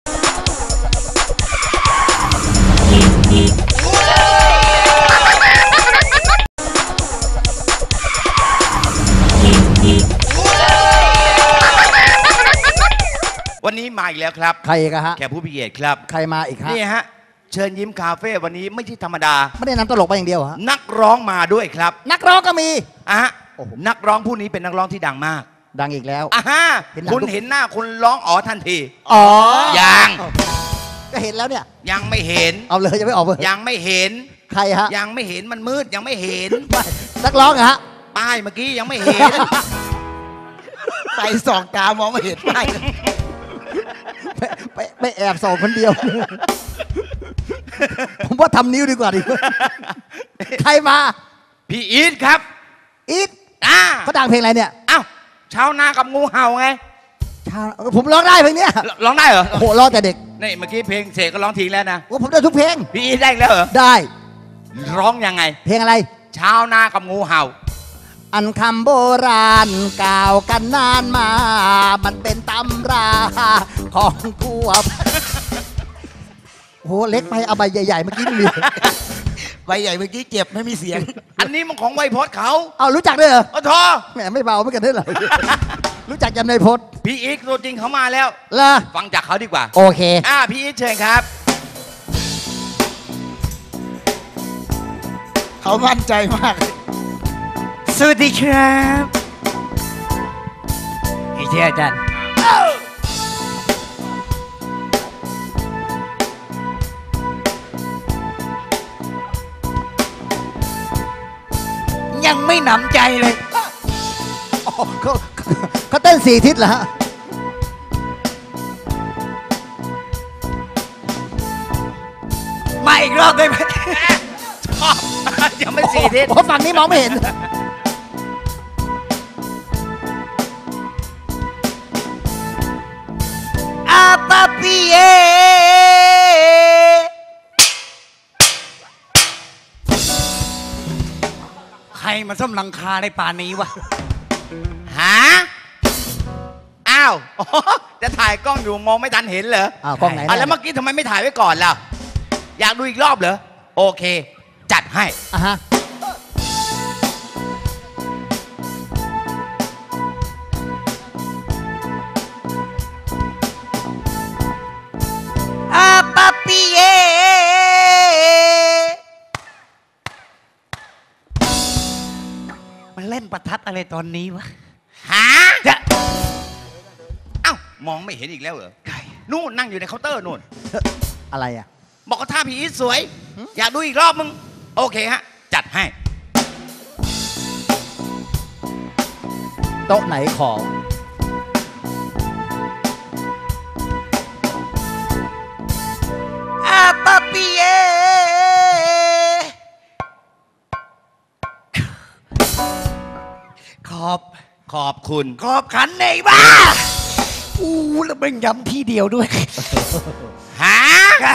[SPEAKER 1] วันนี้มาอีกแล้วครับ
[SPEAKER 2] ใครกันฮะ
[SPEAKER 1] แขกผู้พิเศษครับ
[SPEAKER 2] ใครมาอีกฮะ
[SPEAKER 1] นี่ฮะ เชิญยิ้มคาเฟ่วันนี้ไม่ใช่ธรรมดา
[SPEAKER 2] ไม่ได้นำตลกไปอย่างเดียวเหรอฮะ
[SPEAKER 1] นักร้องมาด้วยครับ
[SPEAKER 2] นักร้องก็มี
[SPEAKER 1] อ่ะฮะ
[SPEAKER 2] โอ้โห
[SPEAKER 1] นักร้องผู้นี้เป็นนักร้องที่ดังมาก
[SPEAKER 2] ดังอีกแล้ว
[SPEAKER 1] อ่ะฮะ
[SPEAKER 2] เห็นหนัง
[SPEAKER 1] คุณ
[SPEAKER 2] ทุก
[SPEAKER 1] เห็นหน้าคุณร้องอ๋อทันที
[SPEAKER 2] อ๋อ
[SPEAKER 1] ยัง
[SPEAKER 2] ก็เห็นแล้วเนี่ย
[SPEAKER 1] ยังไม่เห็น
[SPEAKER 2] เอาเลยจะไม่ออกเลย
[SPEAKER 1] ยังไม่เห็น
[SPEAKER 2] ใครฮะ
[SPEAKER 1] ยังไม่เห็นมันมืดยังไม่เห็น
[SPEAKER 2] นักร้องเหรอฮะ
[SPEAKER 1] ป้ายเมื่อกี้ยังไม่เห็น
[SPEAKER 4] ไปส่องตามองไม่เห็นไป
[SPEAKER 2] ไปแอบส่องคนเดียว ผมว่าทำนิ้วดีกว่าดิ ใครมา
[SPEAKER 1] พี่อีทครับ
[SPEAKER 2] อีท
[SPEAKER 1] อ่า
[SPEAKER 2] เขาดังเพลงอะไรเนี่ย
[SPEAKER 1] อ้าวชาวนากับงูเห่าไง
[SPEAKER 2] ผมร้องได้เพลงเนี้ย
[SPEAKER 1] ร้องได้เหรอ
[SPEAKER 2] โอ้โหร้องแต่เด็ก
[SPEAKER 1] นี่เมื่อกี้เพลงเสกก็ร้องทิ้งแล้วนะ
[SPEAKER 2] โอ้ผมได้ทุกเพลง
[SPEAKER 1] พี่อีทได้อีกแล้วเหรอ
[SPEAKER 2] ได้
[SPEAKER 1] ร้องยังไง
[SPEAKER 2] เพลงอะไร
[SPEAKER 1] ชาวนากับงูเห่า
[SPEAKER 2] อันคำโบราณกล่าวกันนานมา มันเป็นตำราของทั่วโอ้โหเล็กไปเอาใบใหญ่ๆเมื่อกี้ไม่มี
[SPEAKER 4] ใบใหญ่เมื่อกี้เจ็บไม่มีเสียง
[SPEAKER 1] อันนี้มันของไวยพจน์เขา
[SPEAKER 2] เอารู้จักด้วยเหรอ
[SPEAKER 1] โอ้โทอ
[SPEAKER 2] แหมไม่เบาเหมือนกันด้วยเหรอ รู้จักจำในพจน์
[SPEAKER 1] พี่อีทตัวจริงเขามาแล้ว
[SPEAKER 2] เหรอ
[SPEAKER 1] ฟังจากเขาดีกว่า
[SPEAKER 2] โอเค
[SPEAKER 1] พี่อีทเชิญครับ
[SPEAKER 4] เขามั่นใจมาก
[SPEAKER 5] สวัสดีครับไอ้เจ้าอาจารย์ยังไม่หนำใจเลย
[SPEAKER 2] อ๋อเขาเต้น4 ทิศเหรอฮะ
[SPEAKER 5] มาอีกรอบได้ไหม
[SPEAKER 1] ชอบ ยังไม่สี่ทิศ
[SPEAKER 2] โอ้ฝั่งนี้มองไม่เห็น
[SPEAKER 5] อาปาปีเอใครมาซ่อมหลังคาในป่านี้วะ
[SPEAKER 1] หาอ้าวอ๋อจะถ่ายกล้องอยู่มองไม่ทันเห็นเหรอ
[SPEAKER 2] อ้าวกล้องไหน
[SPEAKER 1] แล้วเมื่อกี้ทำไมไม่ถ่ายไว้ก่อนล่ะ อยากดูอีกรอบเหรอ โอเค จัดให้
[SPEAKER 2] อ่ะฮะ
[SPEAKER 5] อาปาปีเอมันเล่นประทัดอะไรตอนนี้วะ
[SPEAKER 1] หา
[SPEAKER 5] จะ
[SPEAKER 1] เอ้ามองไม่เห็นอีกแล้วเหรอ
[SPEAKER 5] ใคร
[SPEAKER 1] นู่นนั่งอยู่ในเคาน์เตอร์นู่น
[SPEAKER 2] อะไรอ่ะ
[SPEAKER 1] บอกว่าท่าผีอีทสวย อยากดูอีกรอบมึง โอเคฮะ จัดให้
[SPEAKER 2] โต๊ะไหนขอ
[SPEAKER 5] อาปาปีเอ
[SPEAKER 1] ขอบคุณ
[SPEAKER 5] ขอบขันในบ้าอู้แล้วมันย้ำที่เดียวด้วย
[SPEAKER 1] หา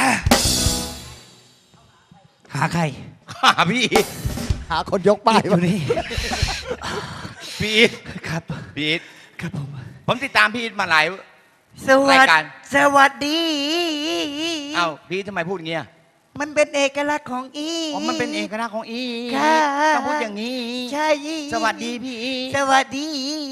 [SPEAKER 5] หาใคร
[SPEAKER 1] หาพี่อีท
[SPEAKER 2] หาคนยกป้าย
[SPEAKER 5] อยู่นี่
[SPEAKER 1] พี่อีท
[SPEAKER 5] ครับ
[SPEAKER 1] พี่อีท
[SPEAKER 5] ครับผม
[SPEAKER 1] ผมติดตามพี่อีทมาหลาย
[SPEAKER 5] สวัส
[SPEAKER 1] ราย
[SPEAKER 5] ดี
[SPEAKER 1] การ
[SPEAKER 5] สวัสดี
[SPEAKER 1] เอ้าพี่อีททำไมพูดอย่างเงี้ย
[SPEAKER 5] มันเป็นเอกลักษณ์ของอี
[SPEAKER 1] อ๋อมันเป็นเอกลักษณ์ของอีท
[SPEAKER 5] ค่ะ
[SPEAKER 1] ต้องพูดอย่างนี้
[SPEAKER 5] ใช่
[SPEAKER 1] สวัสดีพี่อีท
[SPEAKER 5] สวัสดี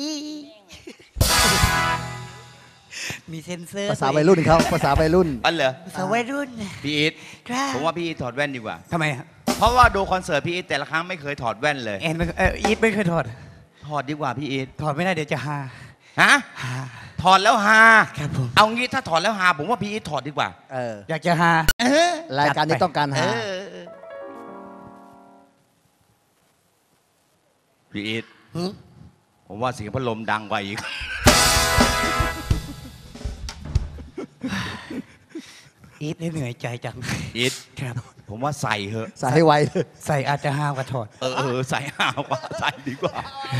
[SPEAKER 5] มีเซ็นเซอร์
[SPEAKER 2] ภาษาวัยรุ่นเขาภาษาวัยรุ่น
[SPEAKER 1] อันเหรอ
[SPEAKER 5] ภาษาวัยรุ่น
[SPEAKER 1] พี่อีท
[SPEAKER 5] ครับ
[SPEAKER 1] ผมว่าพี่อีทถอดแว่นดีกว่า
[SPEAKER 5] ทำไมฮะ
[SPEAKER 1] เพราะว่าดูคอนเสิร์ตพี่อีทแต่ละครั้งไม่เคยถอดแว่นเลย
[SPEAKER 5] แอนอีทไม่เคยถอด
[SPEAKER 1] ถอดดีกว่าพี่อีท
[SPEAKER 5] ถอดไม่ได้เดี๋ยวจะฮา
[SPEAKER 1] ฮะ
[SPEAKER 5] ฮา
[SPEAKER 1] ถอดแล้วฮา
[SPEAKER 5] ครับผม
[SPEAKER 1] เอางี้ถ้าถอดแล้วฮาผมว่าพี่อีทถอดดีกว่า
[SPEAKER 2] เออ
[SPEAKER 5] อยากจะฮาร
[SPEAKER 2] ายการนี้ต้องการ
[SPEAKER 1] เอ
[SPEAKER 2] หา
[SPEAKER 1] อพี่อีทผมว่าเสียงพัดลมดังกว่าอีก
[SPEAKER 5] อีทได้เหนื่อยใจจัง
[SPEAKER 1] อีท
[SPEAKER 5] ครับ
[SPEAKER 1] ผมว่าใส่เหอะ
[SPEAKER 2] ใส่ให้ไวเลย
[SPEAKER 5] ใส่อาจจะฮากว่าถอด
[SPEAKER 1] เออใส่ฮากว่าใส่ดีกว่า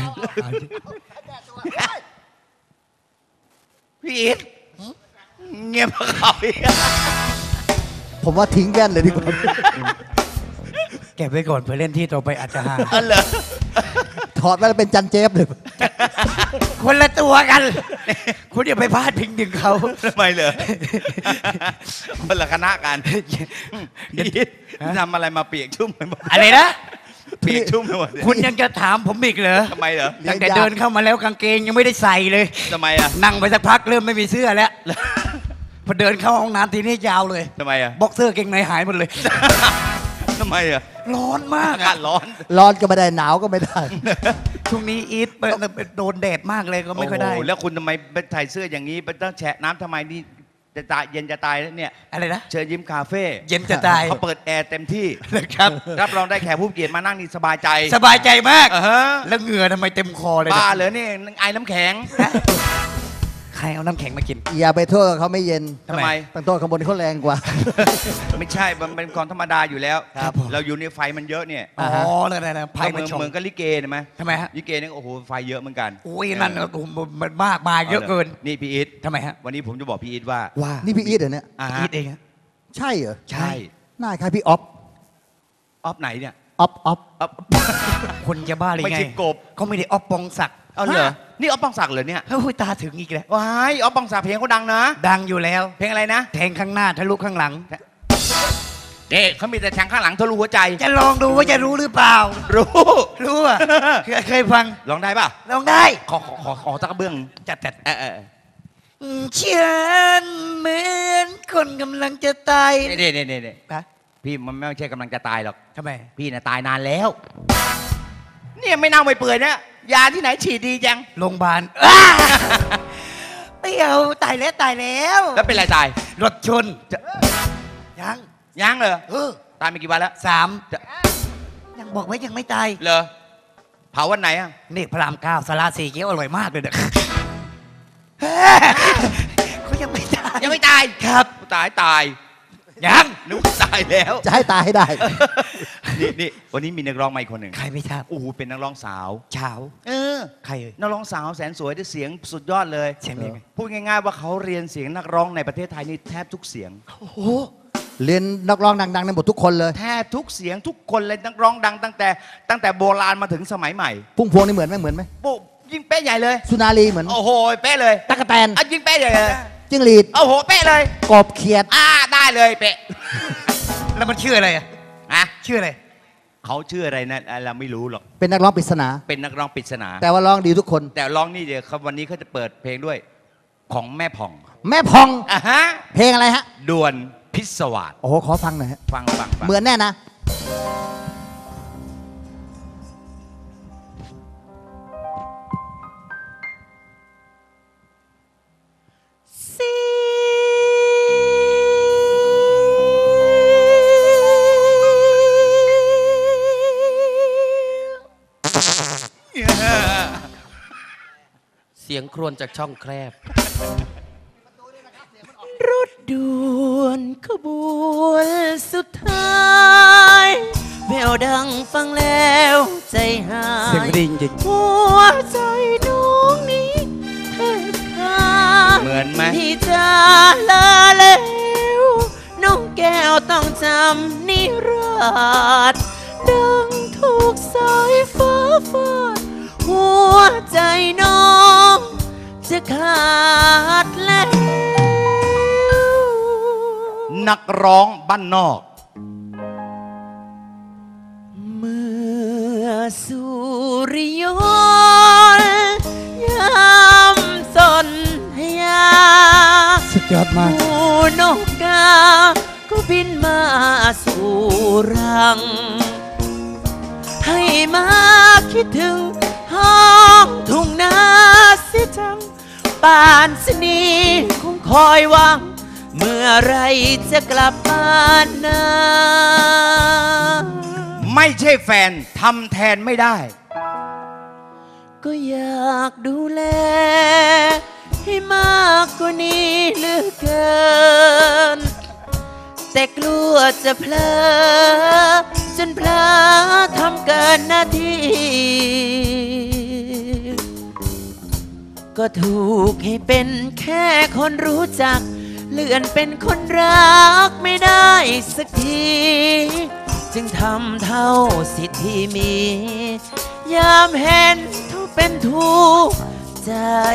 [SPEAKER 1] พี่อีทเงียบกว่าเขาอีก
[SPEAKER 2] ผมว่าทิ้งแว่นเลยดีกว่า
[SPEAKER 5] เก็บไว้ก่อนเพื่อเล่นที่ต่อไปอาจจะฮา
[SPEAKER 1] อันเหรอ
[SPEAKER 2] ถอดแว่นเป็นจันเจฟเลย
[SPEAKER 5] คนละตัวกัน คุณอย่าไปพลาดพิงถึงเขา
[SPEAKER 1] ทำไมเหรอคนละคณะกันพี่อีททำอะไรมาเปียกชุ่มไปหมด
[SPEAKER 5] อะไรนะ
[SPEAKER 1] เปียกชุ่มไปหมด
[SPEAKER 5] คุณยังจะถามผมอีกเหรอ
[SPEAKER 1] ทำไมเหรอ
[SPEAKER 5] ตั้งแต่เดินเข้ามาแล้วกางเกงยังไม่ได้ใส่เลย
[SPEAKER 1] ทำไมอ่ะ
[SPEAKER 5] นั่งไปสักพักเริ่มไม่มีเสื้อแล้ว พอเดินเข้าห้องน้ำทีนี้ยาวเลย
[SPEAKER 1] ทำไมอ่ะ
[SPEAKER 5] บ็อกเซอร์เกงในหายหมดเลย
[SPEAKER 1] ทำไมอ่ะ
[SPEAKER 5] ร้อนมาก
[SPEAKER 1] อากาศร้อน
[SPEAKER 2] ร้อนก็ไม่ได้หนาวก็ไม่ได้
[SPEAKER 5] ช่วงนี้อีทโดนแดดมากเลยก็ไม่ค่อยได้
[SPEAKER 1] โโหแล้วคุณทำไมไปใส่เสื้ออย่างนี้ไปต้องแฉะน้ำทำไมนี่จะตายเย็นจะตายแล้วเนี่ย
[SPEAKER 5] อะไรนะ
[SPEAKER 1] เชิญยิ้มคาเฟ่
[SPEAKER 5] เย็นจะตาย
[SPEAKER 1] เขาเปิดแอร์เต็มที่
[SPEAKER 5] นะครับ
[SPEAKER 1] รับรองได้แขกผู้เกียรติมานั่งนี่สบายใจ
[SPEAKER 5] สบายใจมาก
[SPEAKER 1] ฮะ
[SPEAKER 5] แล้วเหงื่อทำไมเต็มคอเลย
[SPEAKER 1] บ้า
[SPEAKER 5] นะ
[SPEAKER 1] เหรอนี่ไอ้น้ำแข็ง
[SPEAKER 5] ใครเอาน้ำแข็งมากิน
[SPEAKER 2] อย่าไปโทษเขาไม่เย็น
[SPEAKER 1] ทำไม
[SPEAKER 2] ต้องโทษข้างบนเขาแรงกว่า
[SPEAKER 1] ไม่ใช่ มันเป็นของธรรมดาอยู่แล้ว
[SPEAKER 5] ครับผม
[SPEAKER 1] เราอยู่ในไฟมันเยอะเนี่ย
[SPEAKER 5] อ๋อเลยนะไพ่มันชง
[SPEAKER 1] เหมือนกับลิเกเห็นไหม
[SPEAKER 5] ทำไมฮะ
[SPEAKER 1] ลิเกเนี่ยโอ้โหไฟเยอะเหมือนกัน
[SPEAKER 5] โอ้ยนั่นโอ้โหมันมากมาเยอะเกิน
[SPEAKER 1] นี่พี่อีท
[SPEAKER 5] ทำไมฮะ
[SPEAKER 1] วันนี้ผมจะบอกพี่อีทว่า
[SPEAKER 5] ว่า
[SPEAKER 2] นี่พี่อีทเหรอเนี่ย
[SPEAKER 1] อ่า
[SPEAKER 5] อีทเองฮะ
[SPEAKER 2] ใช่เหรอ
[SPEAKER 1] ใช่
[SPEAKER 2] หน้าคล้ายพี่ออฟ
[SPEAKER 1] ออฟไหนเนี่ย
[SPEAKER 2] ออฟออฟ
[SPEAKER 1] ออฟ
[SPEAKER 5] คนจะบ้าเลย
[SPEAKER 1] ไม่
[SPEAKER 5] ไง
[SPEAKER 1] ใช่กบ
[SPEAKER 5] เขาไม่ได้ออฟปองศักดิ์
[SPEAKER 1] เอาเหรอนี่ออฟปองศักดิ์เหรอเนี่ย
[SPEAKER 5] เฮ้ยตาถึงอีกแล้ว
[SPEAKER 1] ว้ายออฟปองศักดิ์เพลงเขาดังนะ
[SPEAKER 5] ดังอยู่แล้ว
[SPEAKER 1] เพลงอะไรนะ
[SPEAKER 5] แทงข้างหน้าทะลุข้างหลัง
[SPEAKER 1] นี่เขามีแต่แทงข้างหลังทะลุหัวใจ
[SPEAKER 5] จะลองดูว่าจะรู้หรือเปล่า
[SPEAKER 1] รู้
[SPEAKER 5] รู้อ่ะ เคยฟัง
[SPEAKER 1] ร้องได้ป่ะ
[SPEAKER 5] ลองได้
[SPEAKER 1] ขอสักกระเบื้อง
[SPEAKER 5] จัด
[SPEAKER 1] เออ
[SPEAKER 5] ฉันเหมือนคนกำลังจะตาย
[SPEAKER 1] นี่
[SPEAKER 5] ฮะ
[SPEAKER 1] พี่มันไม่ใช่กำลังจะตายหรอก
[SPEAKER 5] ทำไม
[SPEAKER 1] พี่น่ะตายนานแล้ว เนี่ยไม่เน่าไม่เปื่อยนะยาที่ไหนฉีดดีจัง
[SPEAKER 5] โรงพยาบาลไม่เอาตายแล้วตายแล้ว
[SPEAKER 1] แล้วเป็นไรตาย
[SPEAKER 5] รถชนยัง
[SPEAKER 1] ยังเหรอ
[SPEAKER 5] เออ
[SPEAKER 1] ตายไปกี่วันแล้ว
[SPEAKER 5] 3 ยังบอกไว้ยังไม่ตาย
[SPEAKER 1] เหรอเผาวันไหนอ่ะ
[SPEAKER 5] นี่พระราม 9สาราสีเกี๊ยวอร่อยมากเลยเด้อเขายังไม่ตาย
[SPEAKER 1] ยังไม่ตาย
[SPEAKER 5] ครับ
[SPEAKER 1] ตาย
[SPEAKER 5] ยัง
[SPEAKER 1] นึกว่าตายแล้ว
[SPEAKER 2] จะให้ตายให้ได้
[SPEAKER 1] นี่วันนี้มีนักร้องมาอีกคนหนึ่ง
[SPEAKER 5] ใครไม่ทราบ
[SPEAKER 1] โอ้โหเป็นนักร้องสาว
[SPEAKER 5] เช้า
[SPEAKER 1] เออ
[SPEAKER 5] ใครเอ่ย
[SPEAKER 1] นักร้องสาวแสนสวยด้วยเสียงสุดยอดเลย
[SPEAKER 5] เสียงเป็นไง
[SPEAKER 1] พูดง่ายๆว่าเขาเรียนเสียงนักร้องในประเทศไทยนี่แทบทุกเสียง
[SPEAKER 5] โอ้โห
[SPEAKER 2] เรียนนักร้องดังๆในหมดทุกคนเลย
[SPEAKER 1] แทบทุกเสียงทุกคนเลยนักร้องดังตั้งแต่โบราณมาถึงสมัยใหม่
[SPEAKER 2] พุ่งพวงนี่เหมือนไหมเหมือนไหม
[SPEAKER 1] ปุ๊บยิ่งเป๊ะใหญ่เลย
[SPEAKER 2] สุนารีเหมือนไหม
[SPEAKER 1] โอ้โหเป๊ะเลย
[SPEAKER 2] ตั๊กแตน
[SPEAKER 1] อ่ะยิ่งเป๊ะใหญ่เลย
[SPEAKER 2] จิ้งหรีด
[SPEAKER 1] โอ้โหเป๊ะเลย
[SPEAKER 2] กบเขียด
[SPEAKER 1] ได้เลยเป๊ะ
[SPEAKER 5] แล้วมันชื่ออะไรอ่ะ
[SPEAKER 1] อ่ะ
[SPEAKER 5] ชื่ออะไร
[SPEAKER 1] เขาชื่ออะไรนะเราไม่รู้หรอก
[SPEAKER 2] เป็นนักร้องปริศนา
[SPEAKER 1] เป็นนักร้องปริศนา
[SPEAKER 2] แต่ว่าร้องดีทุกคน
[SPEAKER 1] แต่ร้องนี่เดี๋ยวครับวันนี้เขาจะเปิดเพลงด้วยของแม่ผ่อง
[SPEAKER 2] แม่พอง
[SPEAKER 1] อ่ะฮะ
[SPEAKER 2] เพลงอะไรฮะ
[SPEAKER 1] ด่วนพิศวาส
[SPEAKER 2] โอ้โหขอฟังหน่อยฮะ
[SPEAKER 1] ฟัง
[SPEAKER 2] เหมือนแน่นะ
[SPEAKER 6] เสียงครวญจากช่องแคบ
[SPEAKER 7] รถด่วนขบวนสุดท้ายแววดังฟังแล้วใจหาย
[SPEAKER 5] เสียงดีจริง
[SPEAKER 7] หัวใจน้องนี้แทบขาด
[SPEAKER 1] เหมือนไหม
[SPEAKER 7] ที่จะลาแล้วน้องแก้วต้องจำนิราศดังถูกสายฟ้าฟาดหัวใจน้องจะขาดแล้ว
[SPEAKER 1] นักร้องบ้านนอก
[SPEAKER 7] เมื่อสุริยนต์ยามสนธยา
[SPEAKER 5] สุดยอดมาก
[SPEAKER 7] หมูนกกาก็บินมาสู่รัง ให้มาคิดถึงห้องทุ่งนาเสียจังป่านสนีคงคอยหวัง เมื่อไรจะกลับบ้านนา
[SPEAKER 1] ไม่ใช่แฟนทำแทนไม่ได้
[SPEAKER 7] ก็อยากดูแล ให้มากกว่านี้เหลือเกิน แต่กลัวจะเพลอจนเพลอทำเกินหน้าที่ ก็ถูกให้เป็นแค่คนรู้จัก เลื่อนเป็นคนรักไม่ได้สักที จึงทำเท่าสิทธิ์ที่มี ยามเห็นทุกเป็นทุกข์ใจ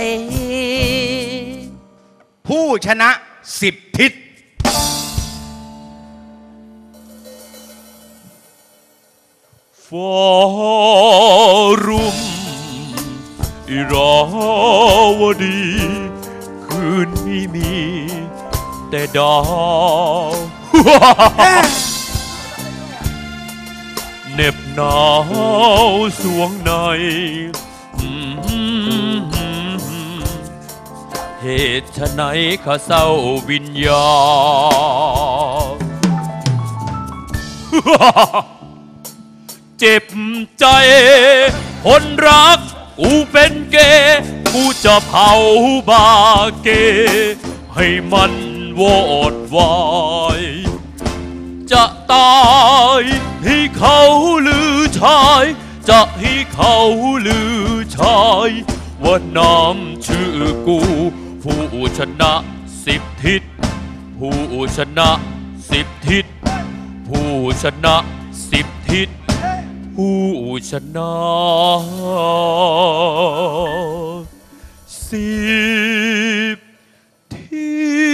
[SPEAKER 1] ผู้ชนะ10 ทิศฟอรุมอิราวดี คืนนี้มี แต่ดาว เหน็บหนาวสวงใน เหตุไฉนข้าเศร้าวิญญาณ เจ็บใจคนรักกูเป็นเกย์
[SPEAKER 8] กูจะเผาบาเกให้มันวอดวายจะตายให้เขาลือชายจะให้เขาลือชายว่าน้ำชื่อกูผู้ชนะ10 ทิศผู้ชนะ10 ทิศผู้ชนะ10 ทิศผู้ชนะ10 ทิ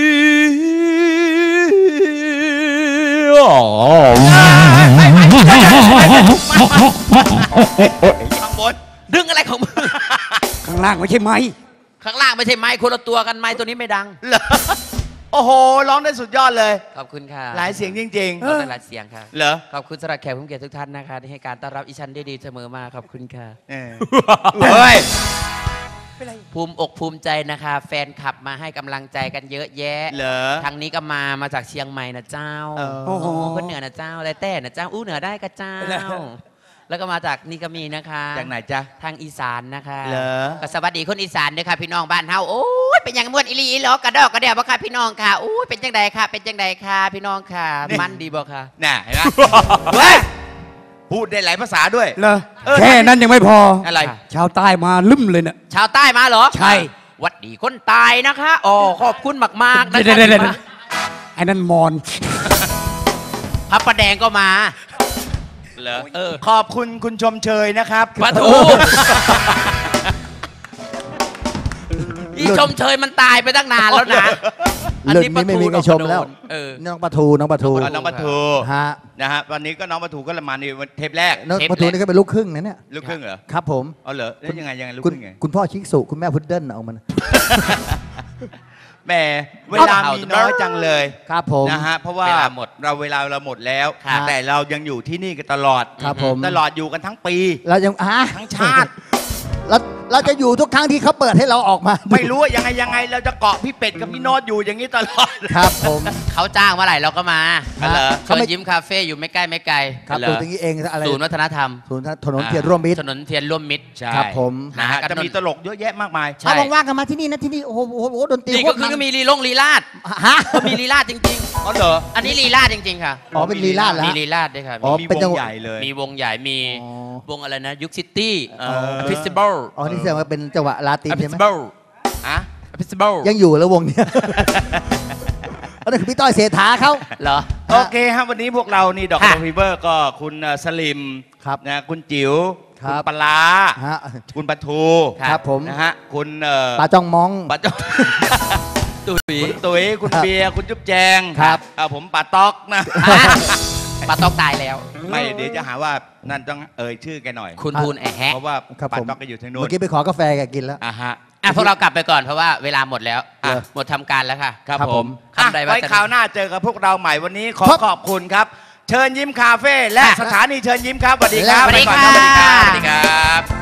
[SPEAKER 8] ศ
[SPEAKER 1] ข้างบน
[SPEAKER 7] ดึงอะไรของมึง
[SPEAKER 5] ข้างล่างไม่ใช่ไม้
[SPEAKER 7] ข้างล่างไม่ใช่ไม้คนละตัวกันไม้ตัวนี้ไม่ดัง
[SPEAKER 1] เหรอโอ้โหร้องได้สุดยอดเลย
[SPEAKER 7] ขอบคุณค่ะ
[SPEAKER 1] หลายเสียงจริง
[SPEAKER 7] ขอบคุณหลายเสียงค่ะ
[SPEAKER 1] ๆเหรอ
[SPEAKER 7] ขอบคุณสำหรับแขกผู้เกียรติทุกท่านนะคะที่ให้การต้อนรับอีชันได้ดีเสมอมาขอบคุณค่ะ
[SPEAKER 1] เออเฮ้ย
[SPEAKER 7] ภูมิอกภูมิใจนะคะ แฟนคลับมาให้กำลังใจกันเยอะแยะ
[SPEAKER 1] เหรอ
[SPEAKER 7] ทางนี้ก็มาจากเชียงใหม่นะเจ้า
[SPEAKER 5] โอ้โห
[SPEAKER 7] คนเหนือนะเจ้าอะไรแต่นะเจ้าอู้เหนือได้ก็เจ้า แล้วก็มาจากนี่ก็มีนะคะ
[SPEAKER 1] จากไหนจ๊ะ
[SPEAKER 7] ทางอีสานนะคะ
[SPEAKER 1] เหรอ
[SPEAKER 7] ก็สวัสดีคนอีสานด้วยค่ะพี่น้องบ้านเฮาโอ้ยเป็นอย่างม่วนอีหลีอีหลอกระดอกกระเดี่ยวบ่ค่ะพี่น้องค่ะโอ้ยเป็นจังใดค่ะเป็นจังใดค่ะพี่น้องค่ะมันดีบ่ค่ะ
[SPEAKER 1] น่ะเห็นไหมเฮ้ยพูดได้หลายภาษาด้วย
[SPEAKER 5] เหรอ
[SPEAKER 1] เออ
[SPEAKER 5] แค่นั้นยังไม่พอ
[SPEAKER 1] อะไร
[SPEAKER 5] ชาวใต้มาลืมเลยเนี่ย
[SPEAKER 7] ชาวใต้มาเหรอ
[SPEAKER 5] ใช่
[SPEAKER 7] หวัดดีคนตายนะคะอ๋อขอบคุณมากๆนะ
[SPEAKER 5] เดี๋
[SPEAKER 7] คะ
[SPEAKER 5] ยวไอ้นั่นมอน
[SPEAKER 7] พระประแดงก็มา
[SPEAKER 1] เหรอขอบคุณคุณชมเชยนะครับ
[SPEAKER 7] ปะทูอีชมเชยมันตายไปตั้งนานแล้วนะ
[SPEAKER 2] เรื่องนี้ไม่มีใครชมแล้ว
[SPEAKER 7] เออ
[SPEAKER 2] น้องปลาทูน้องปลาทู
[SPEAKER 1] น้องปะทู
[SPEAKER 2] ฮะ
[SPEAKER 1] นะฮะวันนี้ก็น้องปะทูก็มาในเทปแรก
[SPEAKER 2] น้องปลาทูนี่ก็เป็นลูกครึ่งนะเนี่ย
[SPEAKER 1] ลูกครึ่งเหรอ
[SPEAKER 2] ครับผม
[SPEAKER 1] เอาเหรอแล้วยังไงลูก
[SPEAKER 2] คุณ
[SPEAKER 1] ครึ่งไง
[SPEAKER 2] คุณพ่อชิกสุคุณแม่พุดเดิ้ลเอามัน
[SPEAKER 1] แหมเวลามีน้อยจังเลย
[SPEAKER 2] ครับผม
[SPEAKER 1] นะฮะเพราะว่า
[SPEAKER 7] เวลาหมด
[SPEAKER 1] เวลาเราหมดแล้ว
[SPEAKER 7] ครับ
[SPEAKER 1] แต่เรายังอยู่ที่นี่กันตลอด
[SPEAKER 2] ครับผม
[SPEAKER 1] ตลอดอยู่กันทั้งปี
[SPEAKER 2] เรายัง
[SPEAKER 1] ทั้งชาติ
[SPEAKER 2] เราจะอยู่ทุกครั้งที่เขาเปิดให้เราออกมา
[SPEAKER 1] ไม่รู้ว่ายังไงเราจะเกาะพี่เป็ดกับพี่โน้ตอยู่อย่างนี้ตลอด
[SPEAKER 2] ครับผม
[SPEAKER 7] เขาจ้างเมื่อไหร่เราก็มา
[SPEAKER 1] เหรอ
[SPEAKER 7] เชิญยิ้มคาเฟ่อยู่ไม่ใกล้ไม่ไกล
[SPEAKER 2] ครับ
[SPEAKER 1] เหรอ
[SPEAKER 2] ตัวตรงนี้เองอะไร
[SPEAKER 7] ศูนย์วัฒนธรรม
[SPEAKER 2] ศูนย์ถนนเทียนร่วมมิตร
[SPEAKER 7] ถนนเทียนร่วมมิตร
[SPEAKER 1] ใช่
[SPEAKER 2] ครับผม
[SPEAKER 1] นะฮะ
[SPEAKER 7] หากัน
[SPEAKER 1] จะมีตลกเยอะแยะมากมาย
[SPEAKER 7] ใช่
[SPEAKER 2] ถ้าว่างๆกันมาที่นี่นะที่นี่โอ้โหดนตรี
[SPEAKER 7] นี่
[SPEAKER 2] โค
[SPEAKER 7] ก็
[SPEAKER 2] ตร
[SPEAKER 7] คือ
[SPEAKER 2] มัน
[SPEAKER 7] มีลีลาด
[SPEAKER 2] ฮะ
[SPEAKER 7] มีลีลาดจริง
[SPEAKER 1] อ๋อเหรอ
[SPEAKER 7] ๆ อันนี้ลีลาดจริงๆค่ะ
[SPEAKER 2] อ๋อเป็นลีลาดแล้ว
[SPEAKER 7] มีลีลาดด้วยค่ะ
[SPEAKER 2] อ๋อ
[SPEAKER 1] มี
[SPEAKER 2] เป็น
[SPEAKER 1] ว
[SPEAKER 2] จัง
[SPEAKER 1] ง
[SPEAKER 2] หวะ
[SPEAKER 1] ใหญ่เลย
[SPEAKER 7] มีวงใหญ่มี
[SPEAKER 2] อ๋อ
[SPEAKER 7] วงอะไรนะยุคซิตี้
[SPEAKER 1] เออ
[SPEAKER 7] ฟิสติวัล
[SPEAKER 2] อ๋อนี่แสดงว่าเป็นจังหวะลาติน
[SPEAKER 7] ฟิ
[SPEAKER 2] ใช่
[SPEAKER 7] ส
[SPEAKER 2] ไหม
[SPEAKER 7] ติวัล
[SPEAKER 1] อะ
[SPEAKER 7] ฟิสติวัล
[SPEAKER 2] ยังอยู่แล้ววงเนี้ย อันนั้นคือพี่ต้อยเศรษฐาเขา
[SPEAKER 7] เหรอ
[SPEAKER 1] โอเคครับวันนี้พวกเรานี่ดอก
[SPEAKER 7] ค่ะ
[SPEAKER 1] ฟีเวอร์ก็คุณสลิม
[SPEAKER 2] ครับ
[SPEAKER 1] นะคุณจิ๋ว
[SPEAKER 2] ครั
[SPEAKER 1] คุณ
[SPEAKER 2] บ
[SPEAKER 1] ปลาร้า
[SPEAKER 2] ฮะ
[SPEAKER 1] คุณปะทู
[SPEAKER 2] ครับผม
[SPEAKER 1] นะฮะคุณ
[SPEAKER 2] ปลาจ้องมอง
[SPEAKER 1] ปะจ้อง
[SPEAKER 7] ตุ๋ย
[SPEAKER 1] คุณตุ๋ยคุณ
[SPEAKER 2] ครับ
[SPEAKER 1] เบียร์คุณจุ๊บแจง
[SPEAKER 2] ครับ
[SPEAKER 1] ผมปาต๊อกนะ
[SPEAKER 7] ปลาตอกตายแล้ว
[SPEAKER 1] ไม่เดี๋ยวจะหาว่านั่นต้องเอ่ยชื่อแกหน่อย
[SPEAKER 7] คุณทูลแอะแฮะ
[SPEAKER 1] เพราะว่า
[SPEAKER 2] ครับ
[SPEAKER 1] ปา
[SPEAKER 2] ผม
[SPEAKER 1] ต๊อกก็อยู่ทางนู้
[SPEAKER 2] เมื่
[SPEAKER 1] น
[SPEAKER 2] อกี้ไปขอกาแฟแกกินแล้ว
[SPEAKER 1] อ่ะฮะ
[SPEAKER 7] อ่ะพวกเรากลับไปก่อนเพราะว่าเวลาหมดแล้ว
[SPEAKER 1] อ่ะ
[SPEAKER 7] หมดทำการแล้วค่ะ
[SPEAKER 1] ครับ
[SPEAKER 2] ครับ
[SPEAKER 1] ผ
[SPEAKER 2] ผม ม
[SPEAKER 1] อ่ะ
[SPEAKER 7] คำใดว่า
[SPEAKER 1] ไว้
[SPEAKER 7] จะ
[SPEAKER 1] คราวหน้าเจอกับพวกเราใหม่วันนี้ขอ
[SPEAKER 2] ครับ
[SPEAKER 1] ขอบคุณครับ เชิญยิ้มคาเฟ่และ
[SPEAKER 7] ค่ะ
[SPEAKER 1] สถานีเชิญยิ้มครับสวัสดีครับ
[SPEAKER 7] สวัสดี
[SPEAKER 1] ไปก่อน
[SPEAKER 7] ค่ะ
[SPEAKER 1] สวัสดีครับ
[SPEAKER 7] สวัสดีครับ